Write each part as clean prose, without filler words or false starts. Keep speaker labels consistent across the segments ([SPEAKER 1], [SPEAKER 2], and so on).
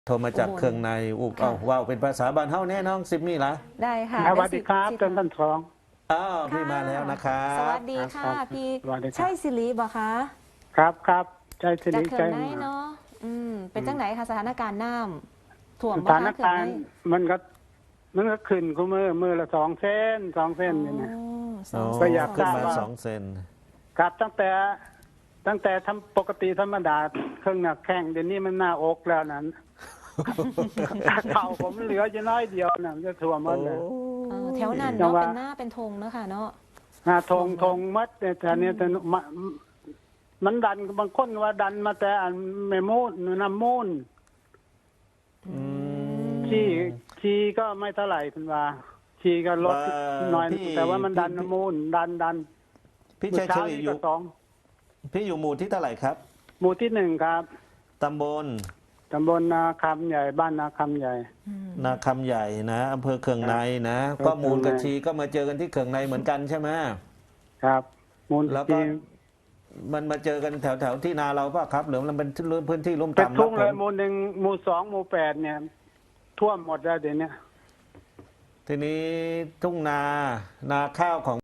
[SPEAKER 1] โทรมาจากเครื่องในอุบเอาว่าวเป็นภาษาบ้านเฮาแน่น้องซิมมี่ล่ะ
[SPEAKER 2] ได้ค่ะ
[SPEAKER 3] สวัสดีครับท่านสอง
[SPEAKER 1] อ้าวพี่มาแล้วนะครับ
[SPEAKER 2] สวัสดีค่ะ
[SPEAKER 3] ครับ
[SPEAKER 2] พี่
[SPEAKER 3] สวัสดีครับ
[SPEAKER 2] ใช่สิริบ่คะ
[SPEAKER 3] ครับใจสิ
[SPEAKER 2] จาก
[SPEAKER 3] ริ
[SPEAKER 2] เขื่
[SPEAKER 3] ใจ
[SPEAKER 2] อนไหนเนาะเป็นจังไหนคะสถานการณ์น้ำท่วม
[SPEAKER 3] ส
[SPEAKER 2] บ่
[SPEAKER 3] ถาน
[SPEAKER 2] คะเขื่อน
[SPEAKER 3] การ
[SPEAKER 2] ไหน
[SPEAKER 3] ณ์มันก็ขึ้นก็มือละ2 เส้นนี่นะ
[SPEAKER 2] สอง
[SPEAKER 3] ก็อยาก
[SPEAKER 1] ขึ้น
[SPEAKER 3] ทราบ
[SPEAKER 1] มา
[SPEAKER 3] ว่า
[SPEAKER 1] 2 เซน
[SPEAKER 3] ครับตั้งแต่ทำปกติธรรมดาเครื่องหนักแข้งเดี๋ยวนี้มันหน้าอกแล้วนั้นเข่าผมเหลือจะน้อยเดียวนะจะท่วมหมดเลย
[SPEAKER 2] แถวนั้น
[SPEAKER 3] จั
[SPEAKER 2] เนาะ
[SPEAKER 3] งหวะ
[SPEAKER 2] เป็นหน้าเป็นธงเนาะค่ะเนาะ
[SPEAKER 3] ทงมัดแต่เนี้ยแต่มันดันบางคนว่าดันมาแต่อันแม่มูนน้ำมูนชีก็ไม่เท่าไหร่คุณว่าชีก็ลดหน่อยแต่ว่ามันดันน้ำมูนดัน
[SPEAKER 1] พี่ชัยชลีอยู่
[SPEAKER 3] สอง
[SPEAKER 1] พี่อยู่หมู่ที่เท่าไหร่ครับ
[SPEAKER 3] หมู่ที่1ครับ
[SPEAKER 1] ตำบล
[SPEAKER 3] ตำบลนาคำใหญ่บ้านนาคำใหญ่
[SPEAKER 1] นาคำใหญ่นะอำเภอเคืองในนะ
[SPEAKER 3] ครับ
[SPEAKER 1] ก็มูลกับชีก็มาเจอกันที่เคืองในเหมือนกันใช่ไหม
[SPEAKER 3] ครับมูล
[SPEAKER 1] แล้วก็
[SPEAKER 3] ที่
[SPEAKER 1] มันมาเจอกันแถวที่นาเราป่ะครับหรือมันเป็นพื้นที่ลุ่ม
[SPEAKER 3] เป็น
[SPEAKER 1] ต่ำ
[SPEAKER 3] ทุ่งเลย
[SPEAKER 1] รับ
[SPEAKER 3] หมู่1หมู่2หมู่8เนี่ยท่วมหมดแล้วเดี๋ยวนี้
[SPEAKER 1] ทีนี้ทุ่งนาข้าวของ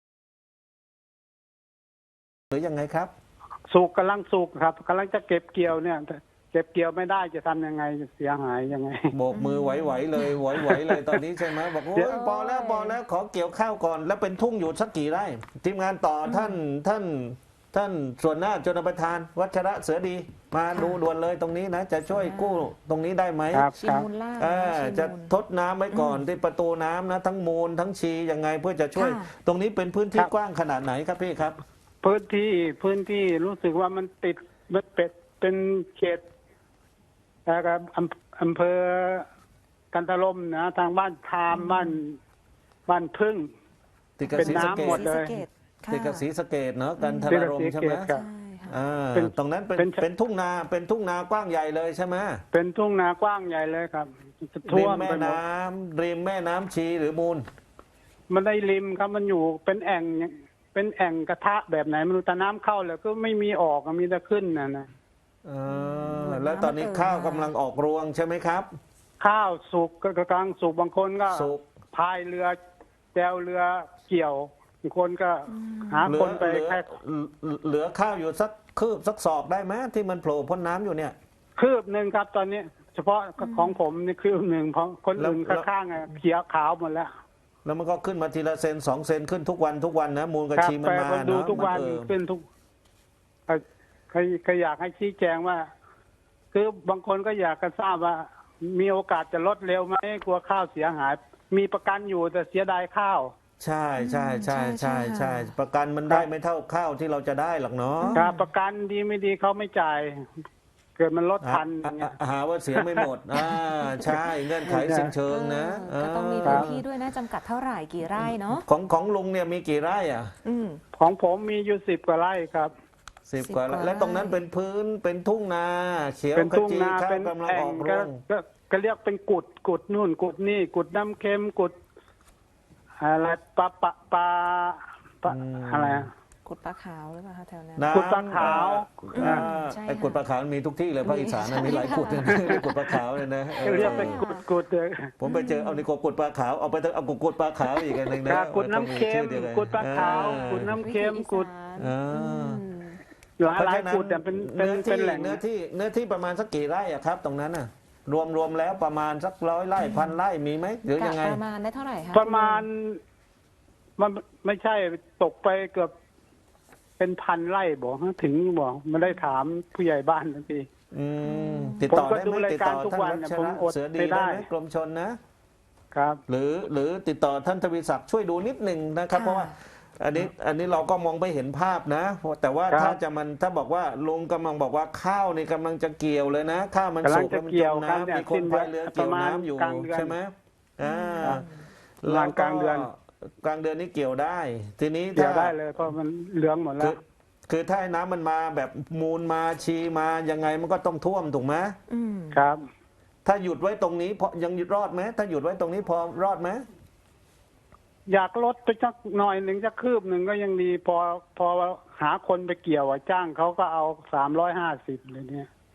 [SPEAKER 1] หรือยังไงครับ
[SPEAKER 3] กำลังสุกครับกำลังจะเก็บเกี่ยวเนี่ยเก็บเกี่ยวไม่ได้จะทำยังไงจะเสียหายยังไง
[SPEAKER 1] โบกมือไหวๆเลยไหวๆเลยตอนนี้ใช่ไหมบอกโอ้ยพอแล้วขอเกี่ยวข้าวก่อน แล้วเป็นทุ่งอยู่สักกี่ไร่ทีมงานต่อท่านส่วนหน้าชนประธาน วัชระเสือดี มาดูด่วนเลยตรงนี้นะจะช่วยกู้ตรงนี้ได้ไหม
[SPEAKER 3] ครับ
[SPEAKER 2] ชิมูลล่า
[SPEAKER 1] จะ
[SPEAKER 2] ชิมูล
[SPEAKER 1] ทดน้ำไว้ก่อนที่ประตูน้ำนะทั้งมูลทั้งชียังไงเพื่อจะช่วย
[SPEAKER 2] ค่ะ
[SPEAKER 1] ตรงนี้เป็นพื้นที่
[SPEAKER 3] ครับ
[SPEAKER 1] กว้างขนาดไหนครับพี่ครับ
[SPEAKER 3] พื้นที่รู้สึกว่ามันติดมันเป็นเขตนะครับอำเภอกันทรลมนะทางบ้านพามบ้านพึ่ง
[SPEAKER 1] ติดกับ
[SPEAKER 3] เป็น
[SPEAKER 1] ศรีสะเก
[SPEAKER 3] น้ำหม
[SPEAKER 1] ษ
[SPEAKER 3] ดเลย
[SPEAKER 2] ศรีสะเกษค่ะ
[SPEAKER 1] ติดกับศรีสะเกษเนาะกันทรารมใช่ไหม
[SPEAKER 3] ครั
[SPEAKER 2] ใช่
[SPEAKER 3] บ
[SPEAKER 2] ค่ะ
[SPEAKER 3] เป็น
[SPEAKER 1] ตรงนั้นเป็น
[SPEAKER 3] เป็น
[SPEAKER 1] ทุ่งนากว้างใหญ่เลยใช่ไหม
[SPEAKER 3] เป็นทุ่งนากว้างใหญ่เลยครับจะ
[SPEAKER 1] ริ
[SPEAKER 3] ท่ว
[SPEAKER 1] ม
[SPEAKER 3] ม
[SPEAKER 1] แม่
[SPEAKER 3] ไปหมด
[SPEAKER 1] น้ำริมแม่น้ำชีหรือมูล
[SPEAKER 3] มันได้ริมครับมันอยู่เป็นแอ่งกระทะแบบไหนไม่รู้แต่น้ำเข้าแล้วก็ไม่มีออกมีแต่ขึ้นนะ
[SPEAKER 1] แล้วตอนนี้ข้าวกำลังออกรวงใช่ไหมครับ
[SPEAKER 3] ข้าวสุกก็กำลังสุกบางคนก็
[SPEAKER 1] สุก
[SPEAKER 3] พายเรือแจวเรือเกี่ยวบางคนก็หาคนไปแค่
[SPEAKER 1] เหลือข้าวอยู่สักคืบสักศอกได้ไหมที่มันโผล่พ้นน้ำอยู่เนี่ย
[SPEAKER 3] คืบหนึ่งครับตอนนี้ เฉพาะของผมนี่คืบหนึ่งเพราะคนอื่น
[SPEAKER 1] แล้ว
[SPEAKER 3] ข้างๆเขียวขาวหมดแล้ว
[SPEAKER 1] แล้วมันก็ขึ้นมาทีละเซน2 เซนขึ้นทุกวันนะมูลกับ
[SPEAKER 3] ครับ
[SPEAKER 1] ชีมัน
[SPEAKER 3] ไป
[SPEAKER 1] มา
[SPEAKER 3] ผมดู
[SPEAKER 1] เนาะ
[SPEAKER 3] ทุกวัน ขึ้นทุกใครอยากให้ชี้แจงว่า คือบางคนก็อยากจะทราบว่า มีโอกาสจะลดเร็วไหมกลัวข้าวเสียหาย มีประกันอยู่แต่เสียดายข้าว
[SPEAKER 1] ใช่
[SPEAKER 2] ใช่ค่ะ
[SPEAKER 1] ประกันมันได้ไม่เท่าข้าวที่เราจะได้หรอกเนาะ
[SPEAKER 3] ครับประกันดีไม่ดีเขาไม่จ่าย เกิดมันลดทันอย่างเงี้ย
[SPEAKER 1] หาว่าเสียไม่หมดใช่เงื่อนไขสิ้นเชิงนะ
[SPEAKER 2] ก็ต้องมีพื้นที่ด้วยนะจำกัดเท่าไหร่กี่ไร่เนาะ
[SPEAKER 1] ของลุงเนี่ยมีกี่ไร่อ่ะ
[SPEAKER 2] อืม
[SPEAKER 3] ของผมมีอยู่10 กว่าไร่ครับ
[SPEAKER 1] 10 กว่าไร่
[SPEAKER 2] 10
[SPEAKER 1] แล้วตรงนั้นเป็นพื้นเป็นทุ่งนาเขียว
[SPEAKER 3] เป็น
[SPEAKER 1] ข
[SPEAKER 3] ทุ่ง
[SPEAKER 1] จี
[SPEAKER 3] นา
[SPEAKER 1] ข้าว
[SPEAKER 3] เป็น
[SPEAKER 1] กำลัง
[SPEAKER 3] แอ่
[SPEAKER 1] อง อกรวง
[SPEAKER 3] ก็เรียกเป็นกุดนู่นกุดนี่กุดน้ำเค็มกุดอะไรปลาอะไรอะ
[SPEAKER 2] กุดปลาขาวหรือเปล่าคะแถวนั้น
[SPEAKER 1] น้ำ
[SPEAKER 3] กุดปลาขาว
[SPEAKER 2] ใช่
[SPEAKER 1] ไอ้
[SPEAKER 2] ค่ะ
[SPEAKER 1] กุดปลาขาวมีทุกที่เลยภาคอีสานนะมีหลายกุดเลยนะกุดปลาขาวเลยนะ
[SPEAKER 3] เรียกเป็นกุดเลย
[SPEAKER 1] ผมไปเจอเอาในกุดปลาขาวเอาไปเอากุดปลาขาวอีกอันหนึ่งนะ
[SPEAKER 3] กุดน้ำเค็ม
[SPEAKER 1] ชื่อดียวกัน
[SPEAKER 3] กุดปลาขาวกุดน้ำเค็มกุด
[SPEAKER 1] อ่า
[SPEAKER 3] หลาย
[SPEAKER 1] เพราะ
[SPEAKER 3] หลาย
[SPEAKER 1] ฉะนั้น
[SPEAKER 3] กุดแต่เป็น
[SPEAKER 1] เนื้อที่
[SPEAKER 3] แหล่ง
[SPEAKER 1] เนื้อที่ประมาณสักกี่ไร่อะครับ ตรงนั้นน่ะ รวมแล้วประมาณสัก100 ไร่1,000 ไร่มีไหมหรือยังไง
[SPEAKER 2] ประมาณได้เท่าไหร่คะ
[SPEAKER 3] ประมาณมันไม่ใช่ตกไปเกือบเป็น1,000 ไร่บอกถึงบอกไม่ได้ถามผู้ใหญ่บ้านทันที
[SPEAKER 1] ติดต่อ
[SPEAKER 3] ผมก็
[SPEAKER 1] ได้
[SPEAKER 3] ดู
[SPEAKER 1] ไหม
[SPEAKER 3] ราย
[SPEAKER 1] ติด
[SPEAKER 3] การ
[SPEAKER 1] ต่อ
[SPEAKER 3] ทุก
[SPEAKER 1] ท่าน
[SPEAKER 3] วัน
[SPEAKER 1] วั
[SPEAKER 3] เนี่ย
[SPEAKER 1] ช
[SPEAKER 3] ผม
[SPEAKER 1] ระ
[SPEAKER 3] อด
[SPEAKER 1] เสือดี
[SPEAKER 3] ไม่ได้
[SPEAKER 1] ได้ไหมกรมชนนะ
[SPEAKER 3] ครับ
[SPEAKER 1] หรือติดต่อท่านทวีศักดิ์ช่วยดูนิดหนึ่งนะครับ เพราะว่าอันนี้เราก็มองไปเห็นภาพนะ แต่ว่า
[SPEAKER 3] ครับ
[SPEAKER 1] ถ้าบอกว่าลุงกำลังบอกว่าข้าวนี่กำลังจะเกี่ยวเลยนะข้าวมัน
[SPEAKER 3] กำลั
[SPEAKER 1] สุ
[SPEAKER 3] ง
[SPEAKER 1] ก
[SPEAKER 3] จะ
[SPEAKER 1] แล้วมัน
[SPEAKER 3] เกี่
[SPEAKER 1] จ
[SPEAKER 3] ยว
[SPEAKER 1] ม
[SPEAKER 3] ครับเนี่ย
[SPEAKER 1] น้ำมีคนพายเรือเกี่ยวน้ำอยู่
[SPEAKER 3] ประมาณกลางเดือน
[SPEAKER 1] ใช่ไหมอ่า
[SPEAKER 3] ประมาณกลางเดือน
[SPEAKER 1] กลางเดือนนี้เกี่ยวได้ ทีนี้
[SPEAKER 3] เกี่ยว
[SPEAKER 1] ถ้า
[SPEAKER 3] ได้เลยเพราะมันเหลืองหมดแล้
[SPEAKER 1] คื
[SPEAKER 3] ว
[SPEAKER 1] คือถ้าให้น้ำมันมาแบบมูลมาชีมายังไงมันก็ต้องท่วมถูกไหม
[SPEAKER 2] อืม
[SPEAKER 3] ครับ
[SPEAKER 1] ถ้าหยุดไว้ตรงนี้พอยังหยุดรอดไหมถ้าหยุดไว้ตรงนี้พอรอดไหม
[SPEAKER 3] อยากลดไปสักหน่อยหนึ่งสักคืบหนึ่งก็ยังดีพอหาคนไปเกี่ยวจ้างเขาก็เอา350เลยเนี่ย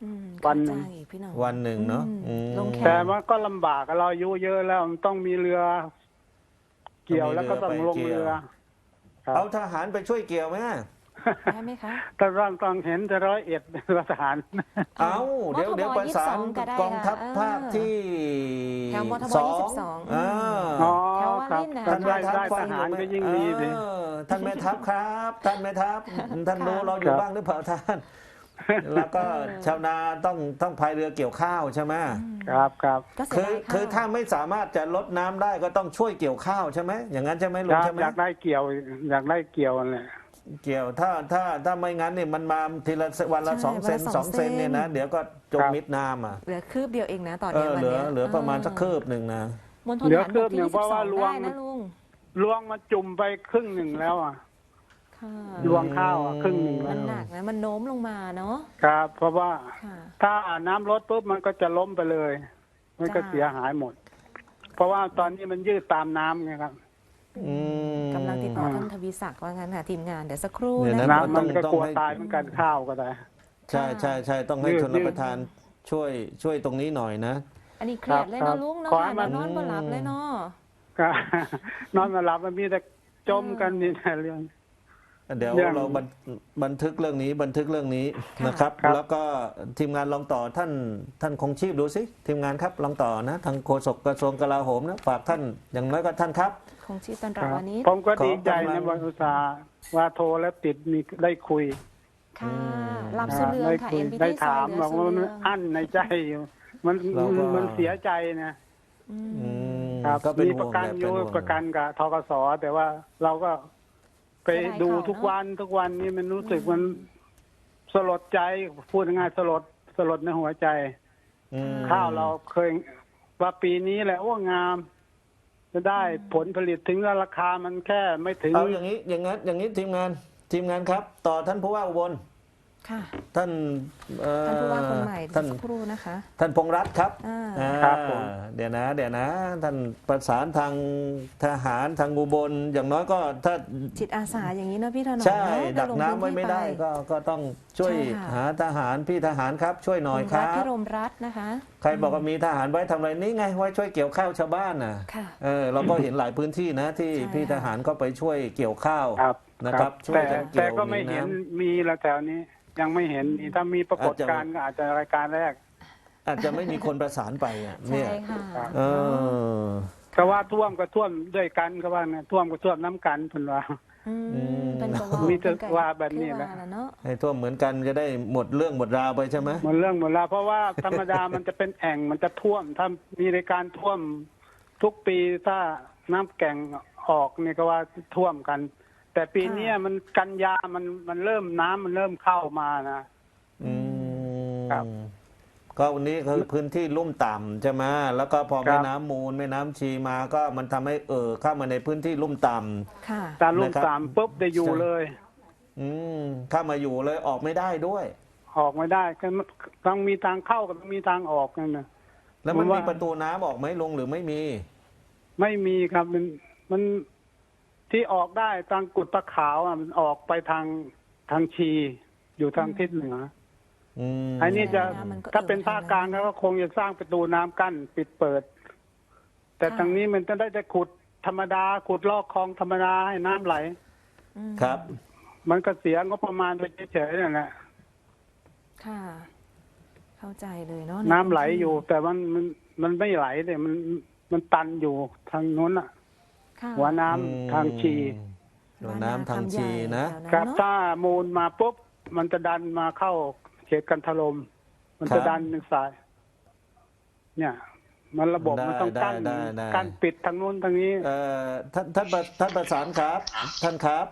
[SPEAKER 3] วันห
[SPEAKER 2] เข้า
[SPEAKER 3] นึ่
[SPEAKER 2] ใจ
[SPEAKER 3] ง
[SPEAKER 2] พี่น้อง
[SPEAKER 1] วันหนึ่งเนาะ
[SPEAKER 2] ลงแข
[SPEAKER 3] แต่ว่าก็ลำบากเราอายุเยอะแล้วมันต้องมีเรือ เกี่ยวแล้วก็ต้องลงเรือครับ
[SPEAKER 1] เอาทหารไปช่วยเกี่ยวไหม
[SPEAKER 2] ได้ไหมคะ
[SPEAKER 3] แต่ต้องเห็นจะ101เป็นทหาร
[SPEAKER 1] เอาเดี๋ยว
[SPEAKER 2] มทบ
[SPEAKER 1] เดี๋ยวประสาน
[SPEAKER 2] 22ก็ได้
[SPEAKER 1] กองทัพ
[SPEAKER 2] ค่ะ
[SPEAKER 1] ภาคที่
[SPEAKER 2] แถวมทบ
[SPEAKER 1] สอง
[SPEAKER 2] 22
[SPEAKER 1] อ่า
[SPEAKER 3] อ๋อ
[SPEAKER 2] แถววา
[SPEAKER 3] ครับ
[SPEAKER 2] รินน่ะ
[SPEAKER 3] ท่านได้
[SPEAKER 1] ทัพ
[SPEAKER 3] ทหารก็ยิ่งดีสิ
[SPEAKER 1] ท่านแม่ทัพครับ ท่านแม่ทัพท่านรู้เราอยู่
[SPEAKER 3] ครับ
[SPEAKER 1] บ้างหรือเปล่าท่าน แล้วก็ชาวนาต้องพายเรือเกี่ยวข้าวใช่ไหม
[SPEAKER 3] ครับครับ
[SPEAKER 2] ก็เสีย
[SPEAKER 1] คือ
[SPEAKER 2] ดายข้ว
[SPEAKER 1] ถ้าไม่สามารถจะลดน้ำได้ก็ต้องช่วยเกี่ยวข้าวใช่ไหมอย่างนั้นใช่ไหมลุ
[SPEAKER 3] ค
[SPEAKER 1] ง
[SPEAKER 3] รับ
[SPEAKER 1] ใช่ไหม
[SPEAKER 3] อยากได้เกี่ยว อยากได้เกี่ยวนั่นแหละ
[SPEAKER 1] เกี่ยวถ้าไม่งั้นเนี่ยมันมาทีละวันละ
[SPEAKER 2] ใช่
[SPEAKER 1] 2 เซน
[SPEAKER 2] วันละ
[SPEAKER 1] 2 เซนเนี่ยนะเดี๋ยวก็จมมิดน้ำอ่ะ
[SPEAKER 2] เหลือคืบเดียวเองนะตอน
[SPEAKER 1] เอ
[SPEAKER 2] นี้
[SPEAKER 1] อ
[SPEAKER 2] วัน
[SPEAKER 1] เหลือ
[SPEAKER 2] เนี้ย
[SPEAKER 1] เหลือประมาณสักคืบหนึ่งนะ
[SPEAKER 2] มณฑล
[SPEAKER 3] เหลือ
[SPEAKER 2] ฐาน
[SPEAKER 3] คื
[SPEAKER 2] บบ ก
[SPEAKER 3] หนึ่
[SPEAKER 2] ที่
[SPEAKER 3] งเพราะว่า
[SPEAKER 2] 22
[SPEAKER 3] ลว
[SPEAKER 2] ได้
[SPEAKER 3] ง
[SPEAKER 2] นะลุง
[SPEAKER 3] ลวงมาจุ่มไปครึ่งหนึ่งแล้วอ่ะ
[SPEAKER 2] ค่ะ
[SPEAKER 3] ลวงข้าวอ่ะครึ่งหนึ่ง
[SPEAKER 2] มั
[SPEAKER 3] แล้
[SPEAKER 2] น
[SPEAKER 3] ว
[SPEAKER 2] หนักนะมันโน้มลงมาเนาะ
[SPEAKER 3] ครับ เพราะว่า
[SPEAKER 2] ค่ะ
[SPEAKER 3] ถ้าน้ำลดปุ๊บมันก็จะล้มไปเลย มันก็
[SPEAKER 2] จ้า
[SPEAKER 3] เสียหายหมด เพราะว่าตอนนี้มันยืดตามน้ำไงครับ
[SPEAKER 1] อืม
[SPEAKER 2] กำลังติดต่อท่านทวีศักดิ์ว่างั้นค่ะทีมงานเดี๋ยวสักครู่
[SPEAKER 1] เดี๋ยว
[SPEAKER 2] นะ
[SPEAKER 1] นะ
[SPEAKER 2] คะ
[SPEAKER 3] น้ำมันก็
[SPEAKER 1] ต้อง
[SPEAKER 3] กลัว
[SPEAKER 1] ให้
[SPEAKER 3] ตายเหมือนกันข้าวก็ได้
[SPEAKER 1] ใช่ต้องให้
[SPEAKER 3] ยืด
[SPEAKER 1] ชนรับประทานช่วยตรงนี้หน่อยนะ
[SPEAKER 2] อันนี้เครียดเลย
[SPEAKER 3] ครั
[SPEAKER 2] เนาะ
[SPEAKER 3] บ
[SPEAKER 2] ลุงเนาะ
[SPEAKER 3] ขอให้
[SPEAKER 2] ค่ะ
[SPEAKER 3] มัน
[SPEAKER 2] นอนบ่หลับเลยเนาะ
[SPEAKER 3] ก็นอนไมาหลับมันมีแต่จมกันนี่แต่เรื่อง
[SPEAKER 1] เดี๋ยว
[SPEAKER 3] เรื่อง
[SPEAKER 1] เราบันทึกเรื่องนี้นะครับ
[SPEAKER 3] ครับ
[SPEAKER 1] แล้วก็ทีมงานลองต่อท่านคงชีพดูสิทีมงานครับลองต่อนะทางโฆษกกระทรวงกลาโหมนะฝากท่านอย่างน้อยก็ท่านครับ
[SPEAKER 2] คงชีพตอน
[SPEAKER 3] ค
[SPEAKER 2] รับ
[SPEAKER 3] รับ
[SPEAKER 2] วันนี้
[SPEAKER 3] ผมก็
[SPEAKER 1] ขอ
[SPEAKER 3] ดีใจ
[SPEAKER 1] กำลั
[SPEAKER 3] นะ
[SPEAKER 1] ง
[SPEAKER 3] วันอุตสาห์ว่าโทรแล้วติดมีได้คุย
[SPEAKER 2] ค่ะหลับสุดเรือง
[SPEAKER 3] ได้
[SPEAKER 2] ค่ะ
[SPEAKER 3] คุย
[SPEAKER 2] NPT
[SPEAKER 3] ได้
[SPEAKER 2] ซอ
[SPEAKER 3] ถาย ม
[SPEAKER 2] เหลื
[SPEAKER 3] บ
[SPEAKER 2] อ
[SPEAKER 3] อก
[SPEAKER 2] สุ
[SPEAKER 3] ว่า
[SPEAKER 2] ด
[SPEAKER 3] มัน
[SPEAKER 2] เรือง
[SPEAKER 3] อั้นในใจอยู่มัน
[SPEAKER 1] เราก็
[SPEAKER 3] มันเสียใจนะ
[SPEAKER 2] อืม
[SPEAKER 1] อืม
[SPEAKER 3] ครับ
[SPEAKER 1] ก็เป็น
[SPEAKER 3] มี
[SPEAKER 1] ห่
[SPEAKER 3] ป
[SPEAKER 1] ว
[SPEAKER 3] ระ
[SPEAKER 1] ง
[SPEAKER 3] กัน
[SPEAKER 1] แหละ
[SPEAKER 3] อ
[SPEAKER 1] เป็น
[SPEAKER 3] ยู่
[SPEAKER 1] ห่วง
[SPEAKER 3] ประกันกับทกสแต่ว่าเราก็ไป
[SPEAKER 2] เสียดาย
[SPEAKER 3] ดู
[SPEAKER 2] เขา
[SPEAKER 3] ทุก
[SPEAKER 2] เนอะ
[SPEAKER 3] วันนี้มันรู้สึกมันสลดใจพูดง่ายๆสลดในหัวใจ
[SPEAKER 1] อืม
[SPEAKER 3] ข้าวเราเคยว่าปีนี้แหละว่างาม จะได้ผลผลิตถึงราคามันแค่ไม่ถึง
[SPEAKER 1] เอาอย่างนี้อย่างนี้ทีมงานครับ ต่อท่านผู้ว่าอุบล
[SPEAKER 2] ค่ะ
[SPEAKER 1] ท่าน
[SPEAKER 2] ท่านผู้ว่าคนใหม่
[SPEAKER 1] ท่าน
[SPEAKER 2] สักครู่นะคะ
[SPEAKER 1] ท่านพงษ์รัตน์ครับ
[SPEAKER 2] อ่า
[SPEAKER 3] ครับผม
[SPEAKER 1] เดี๋ยวนะท่านประสานทางทหารทางอุบลอย่างน้อยก็ถ้า
[SPEAKER 2] จิตอาสาอย่างนี้เนอะพี่ถนอม
[SPEAKER 1] ใช่
[SPEAKER 2] เนอะ
[SPEAKER 1] ดักน้ำไว้ไม่ได้
[SPEAKER 2] ลงพื้นที่
[SPEAKER 1] ก็ต้องช่วย
[SPEAKER 2] ใช่ค่ะ
[SPEAKER 1] หาทหารพี่ทหารครับ ช่วยห
[SPEAKER 2] ไป
[SPEAKER 1] น่อย
[SPEAKER 2] คุณ
[SPEAKER 1] ค
[SPEAKER 2] รั
[SPEAKER 1] รั
[SPEAKER 2] ฐ
[SPEAKER 1] บ
[SPEAKER 2] พิรมรัตน์นะคะ
[SPEAKER 1] ใครบอกว่ามีทหารไว้ทำอะไรนี่ไงไว้ช่วยเกี่ยวข้าวชาวบ้านน่ะ
[SPEAKER 2] ค่ะ
[SPEAKER 1] เราก็เห็นหลายพื้นที่นะที่
[SPEAKER 2] ใช่
[SPEAKER 1] พี่ทหารก็ไปช่วยเกี่ยวข้าว
[SPEAKER 3] ครับ
[SPEAKER 1] นะครับช่วย
[SPEAKER 3] แต่
[SPEAKER 1] กันเกี่ยว
[SPEAKER 3] แต่ก็ไม่เห็น
[SPEAKER 1] มีน้
[SPEAKER 3] มีละแถวนี้ ยังไม่เห็นมีถ้ามีปรากฏการณ์ก็อาจจะรายการแรก
[SPEAKER 1] อาจจะไม่มีคนประสานไปอ่ะ
[SPEAKER 2] ใช่
[SPEAKER 1] เนี่ย
[SPEAKER 2] ค่ะ
[SPEAKER 3] ครับ
[SPEAKER 1] เออ
[SPEAKER 3] ก็ว่าท่วมก็ท่วมด้วยกันก็ว่าเนี่ยท่วมก็ท่วมน้ำกันเพิ่นว่า
[SPEAKER 2] อืม
[SPEAKER 1] อืม
[SPEAKER 2] เป็นประ
[SPEAKER 3] มีแต่
[SPEAKER 2] เป็นไก่
[SPEAKER 3] ว่าแบบนี้แหละ
[SPEAKER 2] คือว่าเนาะ
[SPEAKER 1] ให้ท่วมเหมือนกันจะได้หมดเรื่องหมดราวไปใช่ไหม
[SPEAKER 3] หมดเรื่องหมดแล้วเพราะว่าธรรมดา มันจะเป็นแอ่งมันจะท่วมถ้ามีในการท่วมทุกปีถ้าน้ำแก่งออกเนี่ยก็ว่าท่วมกัน แต่ปีเนี้ยมันกันยามันเริ่มน้ำมันเริ่มเข้ามานะ
[SPEAKER 1] อืม
[SPEAKER 3] ครับ
[SPEAKER 1] ก็วันนี้คือพื้นที่ลุ่มต่ำใช่ไหมแล้วก็พอ
[SPEAKER 3] ครั
[SPEAKER 1] แม่
[SPEAKER 3] บ
[SPEAKER 1] น้ำมูลแม่น้ำชีมาก็มันทำให้เข้ามาในพื้นที่ลุ่มต่ำ
[SPEAKER 2] ค่ะ
[SPEAKER 3] ตาลุ่ม
[SPEAKER 1] นะครับ
[SPEAKER 3] สามปุ๊บได้อยู่เลย
[SPEAKER 1] เข้ามาอยู่เลยออกไม่ได้ด้วย
[SPEAKER 3] ออกไม่ได้ก็ต้องมีทางเข้ากับต้องมีทางออกนั่นนะ
[SPEAKER 1] แล้วมัน
[SPEAKER 3] ผมว่า
[SPEAKER 1] มีประตูน้ำออกไหมลงหรือไม่มี
[SPEAKER 3] ไม่มีครับมันที่ออกได้ทางกุดตะขาวอ่ะมันออกไปทางชี อยู่ทางทิศเหนือ
[SPEAKER 1] อืม
[SPEAKER 3] อันนี้จะ
[SPEAKER 2] มันก็
[SPEAKER 3] ถ้าเป็น
[SPEAKER 2] เอ่อ
[SPEAKER 3] ภาคกลางก็คงจะสร้างประตูน้ำกั้นปิดเปิด แต่
[SPEAKER 2] ค่ะ
[SPEAKER 3] ทางนี้มันจะได้จะขุดธรรมดาขุดลอกคลองธรรมดาให้น้ำไหล
[SPEAKER 2] อืม
[SPEAKER 1] ครับ
[SPEAKER 3] มันก็เสียงบประมาณไปเฉยๆนั่นแหละ
[SPEAKER 2] ค่ะ เข้าใจเลยเนาะ
[SPEAKER 3] น้ำไหลอยู่ แต่มันไม่ไหลเลยมันตันอยู่ทางนู้นอ่ะ
[SPEAKER 2] ค่ะ
[SPEAKER 3] หัวน้ำทางชี
[SPEAKER 1] หัวน้ำทางชีนะ
[SPEAKER 3] ครับถ้ามูลมาปุ๊บมันจะดันมาเข้าเขตกันทลมมันจะดันทางซ้าย เนี่ย มันระบบมันต้องกั้น
[SPEAKER 1] ได้
[SPEAKER 3] กั้นปิดทางนู้นทางนี้
[SPEAKER 1] ท่านประสานครับ ท่านครับ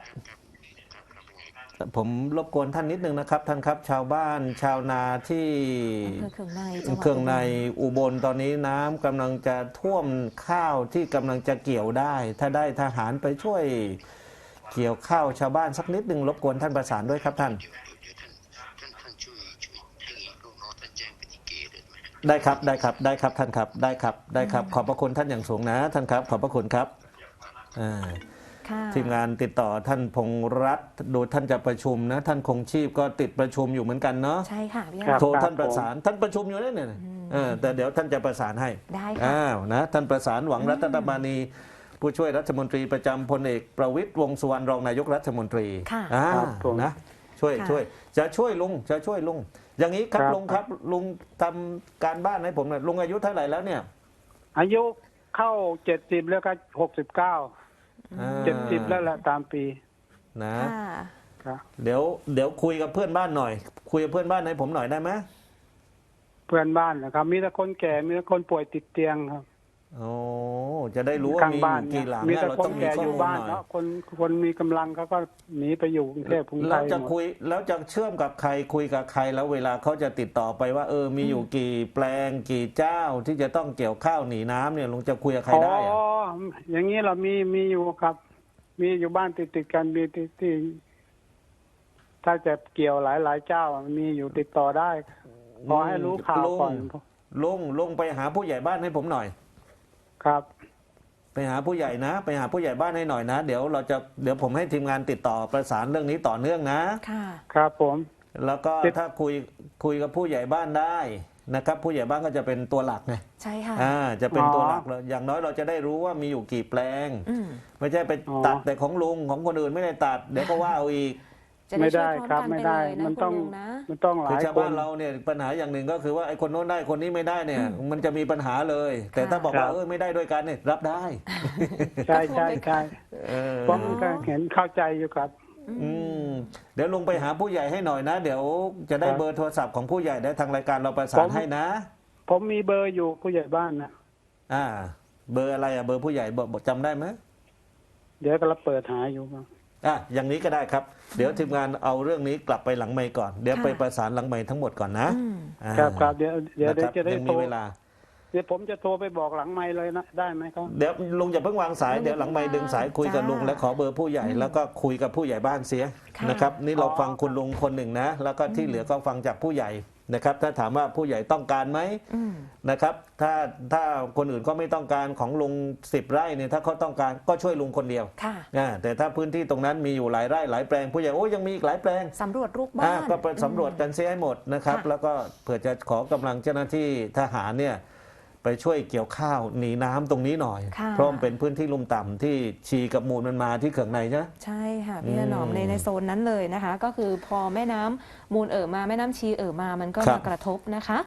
[SPEAKER 1] ผมรบกวนท่านนิดนึงนะครับ ท่านครับ ชาวบ้านชาวนาที่
[SPEAKER 2] อำเภอเคืองในจังหวัด
[SPEAKER 1] เครื่องใน
[SPEAKER 2] อุบล
[SPEAKER 1] อุบลตอนนี้น้ำกำลังจะท่วมข้าวที่กำลังจะเกี่ยวได้ ถ้าได้ทหารไปช่วยเกี่ยวข้าวชาวบ้านสักนิดนึงรบกวนท่านประสานด้วยครับท่าน
[SPEAKER 4] เดี๋ยวท่านช่วยให้ลูกน้องท่านแจ้งไปที่เกเลยไหม
[SPEAKER 1] ได้ครับท่านครับได้ครับ ขอบพระคุณท่านอย่างสูงนะท่านครับ ขอบพระคุณครับอ่า
[SPEAKER 2] ค่ะ
[SPEAKER 1] ทีมงานติดต่อท่านพงษ์รัตน์ดูท่านจะประชุมนะท่านคงชีพก็ติดประชุมอยู่เหมือนกันเนาะ
[SPEAKER 2] ใช่ค่ะพี่
[SPEAKER 3] ครับ
[SPEAKER 1] โทรท่านประสานท่านประชุมอยู่แล้วเนี่ยแต่เดี๋ยวท่านจะประสานให้
[SPEAKER 2] ได้ค่ะ
[SPEAKER 1] อ้าวนะท่านประสานหวังรัตนบานีผู้ช่วยรัฐมนตรีประจำพลเอกประวิตรวงษ์สุวรรณรองนายกรัฐมนตรี
[SPEAKER 2] ค่ะ
[SPEAKER 3] ครับผม
[SPEAKER 1] นะช่วย
[SPEAKER 2] ค่ะ
[SPEAKER 1] ช่วยจะช่วยลุงจะช่วยลุงอย่างนี้ครับ
[SPEAKER 3] ครับ
[SPEAKER 1] ลุงครับลุงทำการบ้านให้ผมหน่อยลุงอายุเท่าไหร่แล้วเนี่ย
[SPEAKER 3] อายุเข้า70แล้วก็69
[SPEAKER 1] อ่า
[SPEAKER 3] 70แล้วแหละตามปี
[SPEAKER 1] นะ
[SPEAKER 2] ค่ะ
[SPEAKER 3] ครับ
[SPEAKER 1] เดี๋ยวคุยกับเพื่อนบ้านหน่อย คุยกับเพื่อนบ้านให้ผมหน่อยได้ไหม
[SPEAKER 3] เพื่อนบ้านนะครับ มีแต่คนแก่มีแต่คนป่วยติดเตียงครับ
[SPEAKER 1] โอ้จะได้รู้ว่า
[SPEAKER 3] ข้าง
[SPEAKER 1] มีอ
[SPEAKER 3] บ้าน
[SPEAKER 1] ยู่
[SPEAKER 3] เนี่ย
[SPEAKER 1] กี่หลัง
[SPEAKER 3] มี
[SPEAKER 1] นะ
[SPEAKER 3] แต่
[SPEAKER 1] เรา
[SPEAKER 3] คน
[SPEAKER 1] ต้องมี
[SPEAKER 3] แก่
[SPEAKER 1] ข้อ
[SPEAKER 3] อยู่
[SPEAKER 1] มูล
[SPEAKER 3] บ้าน
[SPEAKER 1] หน่อย
[SPEAKER 3] เนาะคนมีกำลังเขาก็หนีไปอยู่กรุงเทพกรุงไท
[SPEAKER 1] แล้ว
[SPEAKER 3] ย
[SPEAKER 1] จะ
[SPEAKER 3] หมด
[SPEAKER 1] คุยแล้วจะเชื่อมกับใครคุยกับใครแล้วเวลาเขาจะติดต่อไปว่ามีอยู่กี่แปลงกี่เจ้าที่จะต้องเกี่ยวข้าวหนีน้ำเนี่ยลุงจะคุยกับใครได้อะ
[SPEAKER 3] อ๋ออย่างนี้เรามีอยู่ครับ มีอยู่บ้านติดกันมีที่ถ้าจะเกี่ยวหลายเจ้ามีอยู่ติดต่อได้ขอให้รู้ข่าวก่อน
[SPEAKER 1] ลุงไปหาผู้ใหญ่บ้านให้ผมหน่อย
[SPEAKER 3] ครับ
[SPEAKER 1] ไปหาผู้ใหญ่นะ ไปหาผู้ใหญ่บ้านให้หน่อยนะ เดี๋ยวผมให้ทีมงานติดต่อประสานเรื่องนี้ต่อเนื่องนะ
[SPEAKER 2] ค่ะ
[SPEAKER 3] ครับผม
[SPEAKER 1] แล้วก็
[SPEAKER 3] ติด
[SPEAKER 1] ถ้าคุยกับผู้ใหญ่บ้านได้นะครับ ผู้ใหญ่บ้านก็จะเป็นตัวหลักไง
[SPEAKER 2] ใช่ค่ะ
[SPEAKER 1] จะเป็นตัวหลักเลยอย่างน้อยเราจะได้รู้ว่ามีอยู่กี่แปลง
[SPEAKER 2] อืม
[SPEAKER 1] ไม่ใช่ไปตัดแต่ของลุงของคนอื่นไม่ได้ตัด เดี๋ยวก็ว่าเอาอีก
[SPEAKER 2] จะ
[SPEAKER 3] ไม่
[SPEAKER 2] ได้ช่
[SPEAKER 3] ได้
[SPEAKER 2] วยพร้อม
[SPEAKER 3] ครับ
[SPEAKER 2] กัน
[SPEAKER 3] ไม่
[SPEAKER 2] ไป
[SPEAKER 3] ได้
[SPEAKER 2] เลยนะ
[SPEAKER 3] มัน
[SPEAKER 2] คุ
[SPEAKER 3] ต้อ
[SPEAKER 2] ณ
[SPEAKER 3] ง
[SPEAKER 2] ลุงนะ
[SPEAKER 3] มันต้องห
[SPEAKER 1] คือ
[SPEAKER 3] ลาย
[SPEAKER 1] ชาว
[SPEAKER 3] ค
[SPEAKER 1] บ้าน นเราเนี่ยปัญหาอย่างหนึ่งก็คือว่าไอ้คนโน้นได้คนนี้ไม่ได้เนี่ย มันจะมีปัญหาเลย แต่ถ้าบอกว่าไม่ได้ด้วยกันเนี่ยรับได้
[SPEAKER 3] ใช่ใช่ใช่
[SPEAKER 1] เออ
[SPEAKER 3] ผมก็เห็นเข้าใจอยู่ครับ
[SPEAKER 1] เดี๋ยวลุงไปหาผู้ใหญ่ให้หน่อยนะ เดี๋ยวจะได้
[SPEAKER 3] ครับ
[SPEAKER 1] เบอร์โทรศัพท์ของผู้ใหญ่ได้ทางรายการเราประสา
[SPEAKER 3] ผ
[SPEAKER 1] น
[SPEAKER 3] ม
[SPEAKER 1] ให้นะ
[SPEAKER 3] ผมมีเบอร์อยู่ผู้ใหญ่บ้านนะ
[SPEAKER 1] เบอร์อะไรเบอร์ผู้ใหญ่บอกจำได้ไหม
[SPEAKER 3] เดี๋ยวก็เราเปิดหาอยู่ครับ
[SPEAKER 1] อย่างนี้ก็ได้ครับ เดี๋ยวทีมงานเอาเรื่องนี้กลับไปหลังไมค์ก่อน เดี๋ยว
[SPEAKER 2] ค่ะ
[SPEAKER 1] ไปประสานหลังไมค์ทั้งหมดก่อนนะ
[SPEAKER 2] อืม
[SPEAKER 3] ครับครับเดี๋ยว
[SPEAKER 1] นะครับ
[SPEAKER 3] จะได้
[SPEAKER 1] ยัง
[SPEAKER 3] โท
[SPEAKER 1] มี
[SPEAKER 3] ร
[SPEAKER 1] เวลา
[SPEAKER 3] เดี๋ยวผมจะโทรไปบอกหลังไมค์เลยนะได้ไหมครับ
[SPEAKER 1] เดี๋ยวลุงอย่าเพิ่งวางสายเดี๋ยวหลังไมค์ดึงสายคุยกับลุงและขอเบอร์ผู้ใหญ่แล้วก็คุยกับผู้ใหญ่บ้านเสีย
[SPEAKER 2] ค่ะ
[SPEAKER 1] นะครับนี่เรา
[SPEAKER 3] อ๋อ
[SPEAKER 1] ฟังคุณลุงคนหนึ่งนะ แล้วก็ที่เหลือก็ฟังจากผู้ใหญ่นะครับ ถ้าถามว่าผู้ใหญ่ต้องการไหม
[SPEAKER 2] อืม
[SPEAKER 1] นะครับถ้าคนอื่นก็ไม่ต้องการของลุง10 ไร่เนี่ยถ้าเขาต้องการก็ช่วยลุงคนเดียว
[SPEAKER 2] ค่ะ
[SPEAKER 1] แต่ถ้าพื้นที่ตรงนั้นมีอยู่หลายไร่หลายแปลงผู้ใหญ่ยังมีอีกหลายแปลง
[SPEAKER 2] สำรวจลูกบ้าน
[SPEAKER 1] ก็ไปสำรวจกันเสียให้หมดนะครับ
[SPEAKER 2] ค่ะ
[SPEAKER 1] แล้วก็เผื่อจะขอกำลังเจ้าหน้าที่ทหารเนี่ยไปช่วยเกี่ยวข้าวหนีน้ำตรงนี้หน่อย
[SPEAKER 2] ค่ะ
[SPEAKER 1] เพราะมันเป็นพื้นที่ลุ่มต่ำที่ชีกับมูลมันมาที่เขื่องในใช่ไหม
[SPEAKER 2] ใช่ค่ะพี่ถนอมในโซนนั้นเลยนะคะ ก็คือพอแม่น้ำมูลมาแม่น้ำชีมามันก็
[SPEAKER 1] ครั
[SPEAKER 2] มา
[SPEAKER 1] บ
[SPEAKER 2] กระทบนะคะ